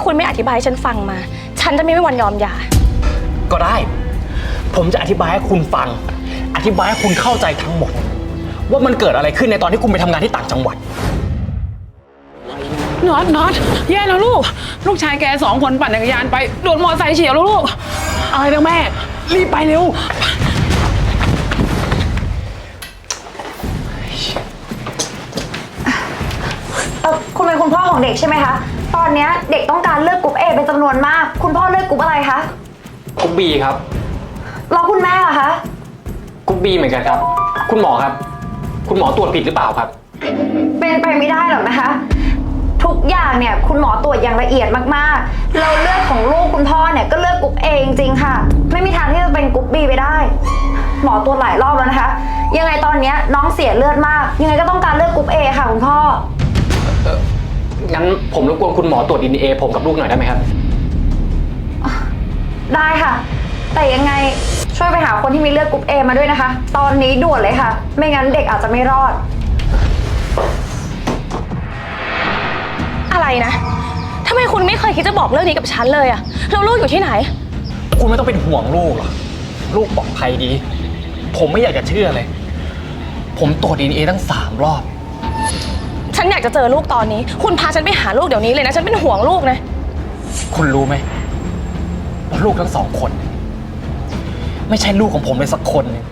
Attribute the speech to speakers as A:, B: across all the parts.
A: คุณไม่อธิบายให้ฉันฟังมา ฉันจะไม่มีวันยอมหย่า
B: ก็ได้ผมจะอธิบายให้คุณฟังอธิบายให้คุณเข้าใจทั้งหมดว่ามันเกิดอะไรขึ้นในตอนที่คุณไปทำงานที่ต่างจังหวัด
C: น็อตแย่แล้วลูกชายแก2 คนปั่นจักรยานไปโดนมอเตอร์ไซค์เฉียวแล้วลูกอะไรนะแม่รีบไปเร็ว
D: คุณเป็นคุณพ่อของเด็กใช่ไหมคะตอนนี้เด็กต้องการเลือกกรุ๊ป A เป็นจำนวนมากคุณพ่อเลือกกรุ๊ปอะไรคะ
B: กรุ๊ป B ครับ
D: แล้วคุณแม่ล่ะคะ
B: กรุ๊ป B เหมือนกันครับคุณหมอครับคุณหมอตรวจผิดหรือเปล่าครับ
D: เป็นไปไม่ได้หรอกนะคะทุกอย่างเนี่ยคุณหมอตรวจอย่างละเอียดมากๆเราเลือกของลูกคุณพ่อเนี่ยก็เลือกกรุ๊ป A จริงๆค่ะไม่มีทางที่จะเป็นกรุ๊ป B ไปได้หมอตรวจหลายรอบแล้วนะคะยังไงตอนนี้น้องเสียเลือดมากยังไงก็ต้องการเลือกกรุ๊ป A ค่ะคุณพ่อ
B: งั้นผมรบกวนคุณหมอตรวจ DNA ผมกับลูกหน่อยได้ไหมครับ
D: ได้ค่ะแต่ยังไงช่วยไปหาคนที่มีเลือดกรุ๊ป A มาด้วยนะคะตอนนี้ด่วนเลยค่ะไม่งั้นเด็กอาจจะไม่รอด
A: อะไรนะทำไมคุณไม่เคยคิดจะบอกเรื่องนี้กับฉันเลยอะแล้วลูกอยู่ที่ไหน
B: คุณไม่ต้องเป็นห่วงลูกหรอกลูกปลอดภัยดีผมไม่อยากจะเชื่อเลยผมตรวจ DNA ตั้ง3 รอบ
A: ฉันอยากจะเจอลูกตอนนี้คุณพาฉันไปหาลูกเดี๋ยวนี้เลยนะฉันเป็นห่วงลูกนะ
B: คุณรู้ไหมว่าลูกทั้ง2 คนไม่ใช่ลูกของผมเลยสักคนนึง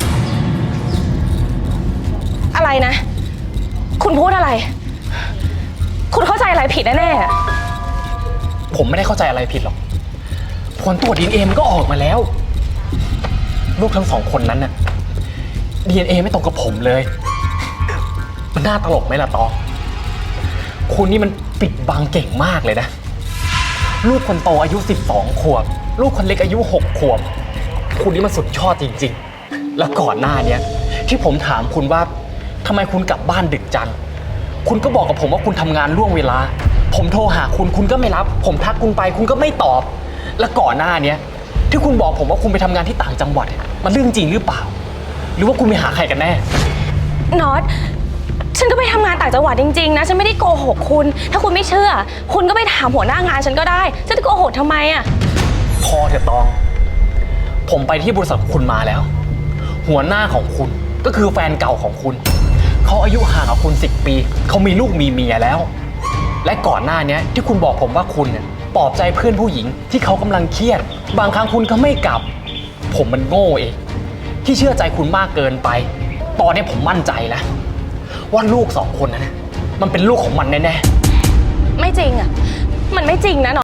A: อะไรนะคุณพูดอะไรคุณเข้าใจอะไรผิดแน่
B: ๆผมไม่ได้เข้าใจอะไรผิดหรอกผลตรวจ DNA มันก็ออกมาแล้วลูกทั้ง2 คนนั้นน่ะ DNA ไม่ตรงกับผมเลยมันน่าตลกไหมล่ะตองคุณนี่มันปิดบังเก่งมากเลยนะลูกคนโตอายุ12 ขวบลูกคนเล็กอายุ6 ขวบคุณนี่มันสุดยอดจริงๆแล้วก่อนหน้านี้ที่ผมถามคุณว่าทำไมคุณกลับบ้านดึกจังคุณก็บอกกับผมว่าคุณทำงานล่วงเวลาผมโทรหาคุณก็ไม่รับผมทักคุณไปคุณก็ไม่ตอบแล้วก่อนหน้านี้ที่คุณบอกผมว่าคุณไปทำงานที่ต่างจังหวัดมันเรื่องจริงหรือเปล่าหรือว่าคุณไปหาใครกันแน่
A: น็อตฉันก็ไปทำงานต่างจังหวัดจริงๆนะฉันไม่ได้โกหกคุณถ้าคุณไม่เชื่อคุณก็ไปถามหัวหน้างานฉันก็ได้ฉันจะโกหกทำไมอะ
B: พอเถอะตองผมไปที่บริษัทของคุณมาแล้วหัวหน้าของคุณก็คือแฟนเก่าของคุณเขาอายุห่างกับคุณ10 ปีเขามีลูกมีเมียแล้วและก่อนหน้านี้ที่คุณบอกผมว่าคุณเนี่ยปลอบใจเพื่อนผู้หญิงที่เขากำลังเครียดบางครั้งคุณก็ไม่กลับผมมันโง่เองที่เชื่อใจคุณมากเกินไปตอนนี้ผมมั่นใจแล้วว่าลูก2 คนนั้นมันเป็นลูกของมันแน่
A: ๆไม่จริงอ่ะมันไม่จริงนะ